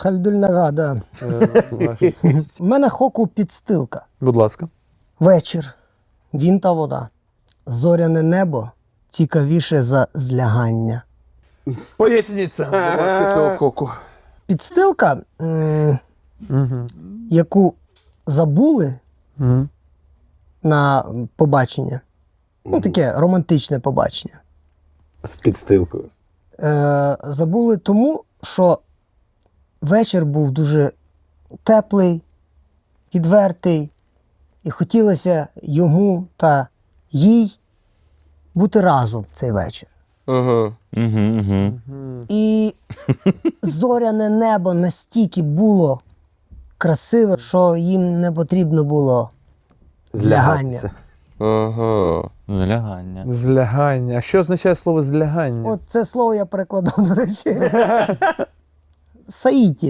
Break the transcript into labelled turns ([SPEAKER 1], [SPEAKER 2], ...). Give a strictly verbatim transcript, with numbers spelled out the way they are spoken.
[SPEAKER 1] Хальдульнага, да.
[SPEAKER 2] Е, ваша честь.
[SPEAKER 1] У мене хоку підстилка.
[SPEAKER 2] Будь ласка.
[SPEAKER 1] Вечір. Він та вода. Зоряне небо цікавіше за злягання.
[SPEAKER 2] Поясніть сенс, будь ласка, цього хоку.
[SPEAKER 1] Підстилка, м,
[SPEAKER 2] Угу.
[SPEAKER 1] яку забули
[SPEAKER 2] Угу.
[SPEAKER 1] на побачення. Ну, таке романтичне побачення.
[SPEAKER 3] З підстилкою.
[SPEAKER 1] Е, забули тому, що вечір був дуже теплий, відвертий, і хотілося йому та їй бути разом в цей вечір.
[SPEAKER 4] Ага.
[SPEAKER 5] Угу, угу.
[SPEAKER 1] І зоряне небо настільки було красиве, що їм не потрібно було злягання.
[SPEAKER 3] Злягатися.
[SPEAKER 4] Ага.
[SPEAKER 5] Злягання.
[SPEAKER 2] Злягання. А що означає слово злягання?
[SPEAKER 1] От це слово я перекладав, до речі. Саїті.